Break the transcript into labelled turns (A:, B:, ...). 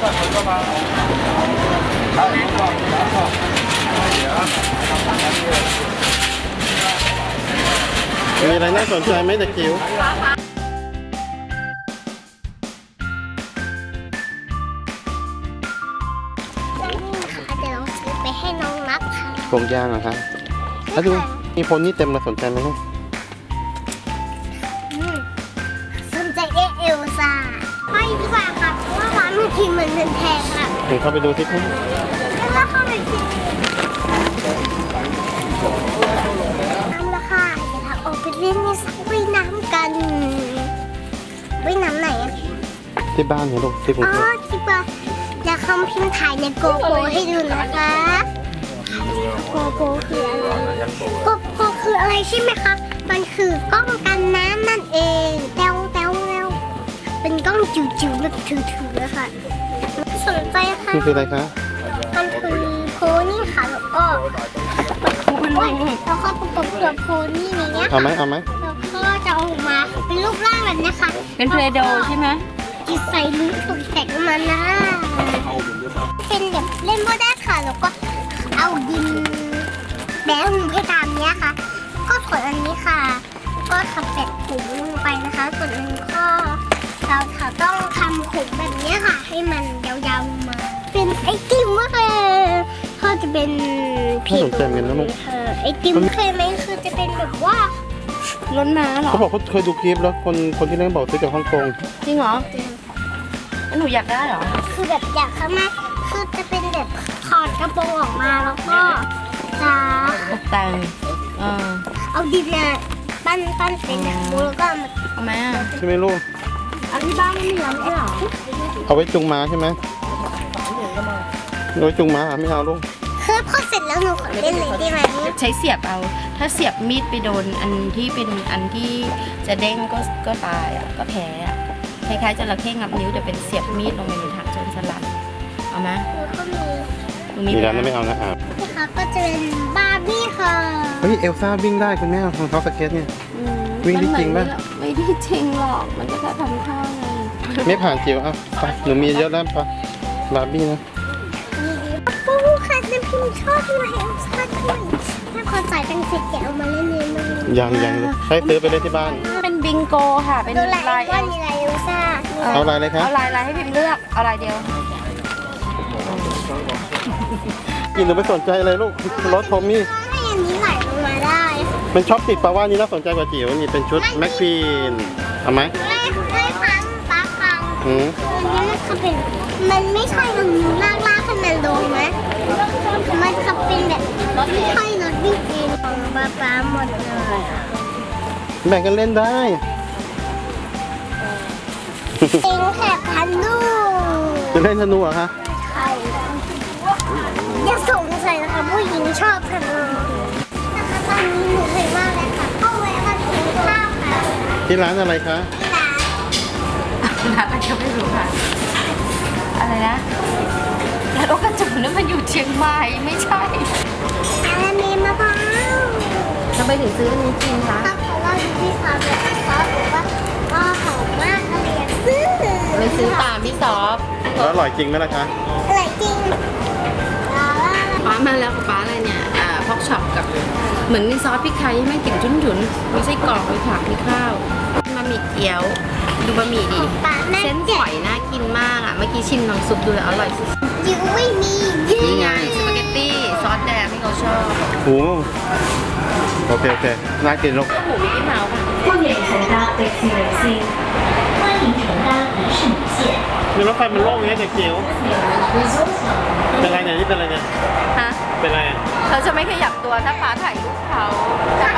A: มีอะไรน่าสนใจไหมเด็กจิ๋ว
B: เดี๋ยวเราซื้อไปให้น้องนับค่ะ
A: กรงย่างเหรอคะแล้วดูมีโพนี่เต็มเลยสนใจไหมลูก
B: สนใจเอลซ่าไปดีกว่าค่ะเพราะว่าร้านมันทีมันแพงค่ะ
A: เดี๋ยวเข้าไปดูสิครับ
B: แล้วเข้าไปสิน้ำละค่ะเดี๋ยวเราออกไปเล่นในสระว่ายน้ำกันว่ายน้ำไหนอะ
A: ที่บ้านเหรอลูกที่กรุงเทพ
B: ที่บ้านจะคำพิมพ์ถ่ายในโกโปรให้ดูนะคะโกโปรคืออะไรโกโปรคืออะไรใช่ไหมคะมันคือกล้องกันน้ำนั่นเองแต้วเป็นกล้องจิ๋วๆแบบถือๆค่ะสนใจค่ะ
A: นี่คืออะไรคะ
B: มันคือโพนี่ค่ะแล้วก็แล้วก็ประกบกับโพนี่นี้เนี่ย
A: เอาไหม
B: แล้วก็จะออกมาเป็นรูปร่างแบบนี้ค่ะ
C: เป็นเพลโดใช่ไหม
B: จิตใส่ลิ้นตกแต่งมันนะเป็นแบบเล่นโบได้ค่ะแล้วก็เอาดินแบงให้ตามเนี้ยค่ะก็ส่วนอันนี้ค่ะก็ทับแปะขุมลงไปนะคะส่วนอันนี้ก็เราต้องทำขุมแบบนี้ค่ะให้มันยาวๆมาเป็นไอติมก็คือเขาจะเป็น
A: ผี
B: ไอติมเคยไหมคือจะเป็นแบบว่า
C: ล้นน้าเหรอ
A: เขาบอกเขาเคยดูคลิปแล้วคนที่นั่นบอกซื้อจากฮ่องกง
C: จริงเหรอหนูอยากได้เหรอ
B: คือแบบอยากข้างหน้าคือจะเป็นแบบถอดกระโปรงออกมาแล้วก็จะ
C: ตกแต่ง
B: เอาดินเนี่ยปั้นเป็นแบบแล้วก็
C: เอาไหม
A: ใช่ไหมลูก
C: อันที่บ้านไม่มีแล้วใช่หรอ
A: เอาไว้จุงม้าใช่ไหมเอาไว้จุงม้าไม่เอาลูก
B: คือพอเสร็จแล้วหนูขอเล่นเลยได้ไหม
C: ใช้เสียบเอาถ้าเสียบมีดไปโดนอันที่เป็นอันที่จะเด้งก็ตายอ่ะก็แพ้อ่ะคล้ายๆจระเข้งับนิ้วแต่เป็นเสียบมีดลงไปในถังจนสลัดเอาไหม
A: มีร้านไม่เอานะ
B: นะคะก็จะเป็นบาร์บี้ค่ะ
A: เฮ้ยเอลซ่าวิ่งได้คุณแม่ของเขาสเก็ตเนี่ยวิ่งได้จริงป่ะ
C: ไม่ได้จริงหรอกมันก็แค่ทำท่าไง
A: ไม่ผ่านจิ๋วอ่ะไปหนูมีเยอะแล้วปะบาร์บี้นะ
B: ปูค่ะน้ำพิมชอบที่มาเอลซ่าด้วยถ้าคนจ่ายตังค์เสร็จแกเอามาเล่นเอง
A: ยังให้ซื้อไปเล่นที่บ้าน
C: เป็นบิงโกค่ะเป็นลาย
B: เอลซ่า
A: เอาลายเลยครับ
C: เอาลายให้พิมเลือกเอาลายเดียว
A: กินหรือไม่สนใจอะไรลูกรถโทมี่
B: ให้อันนี้ไหลลงมาได้
A: เป็นช็อปติดปะว่านี่น่าสนใจกว่าจิ๋วนี่เป็นชุดแม็กฟีนเอาไหม
B: ไม่ฟังป้าฟังอันนี้มันไม่ใช่อันนี้ลากให้มันลงไหมมันจะเป็นแบบไม่ใช่รถวิ่งเองของป้าหมดเลย
A: แบ่งกันเล่นได้
B: เองแค่ธนู
A: จะเล่นธนูเหรอคะ
B: ใช่อย่าสงสัยนะคะผู้หญิงชอบธนูนะคะตอนนี้หนูเคยมากเลยค่ะเข้าแวะมากินข้าวค่ะ
A: ที่ร้านอะไรคะ
C: ร้านอะไรก็ไม่รู้ค่ะอะไรนะร้านโอกระจุกนั่นมันอยู่เชียงใหม่ไม่ใช่
B: อะไรเมมะพร้าว
C: ทำไมถึงซื้ออันนี้กินคะ
B: เพราะว่าพี่ซอฟแบบเขาบอกว่าหอมมากก็เลยซื้อ
C: ไม่ซื้อตามพี่ซอฟ
A: แล้วอร่อยจริงไหมล่ะคะ
B: อร่อยจริง
C: ป้ามาแล้วกับป้าอะไรเนี่ยพอกช็อปกับเหมือนมีซอสพริกไทยให้แม่กลิ่นฉุนๆไม่ใช่กรอกไม่ผักไม่ข้าวบะหมี่เกี๊ยวดูบะหมี่ดิเส้นฝอยน่ากินมากอ่ะเมื่อกี้ชิมน้ำซุปดูแล้วอร่อยสุด
B: จิ๋วไม่มี
C: นี่ไงสปาเกตตี้ซอสแดงที่เขาชอบ
A: โอ้โอเคน่ากินลูก
C: หูมิกกี้เมาส์ค่ะ
A: มีรถไฟมันโล่งอย่างนี้เด็กจิ๋วเป็นไรเนี่ยนี่เป็นไรเนี่ย
C: ฮะ
A: เป็นไร
C: เขาจะไม่ขยับตัวถ้าป้าถ่ายรูปเขา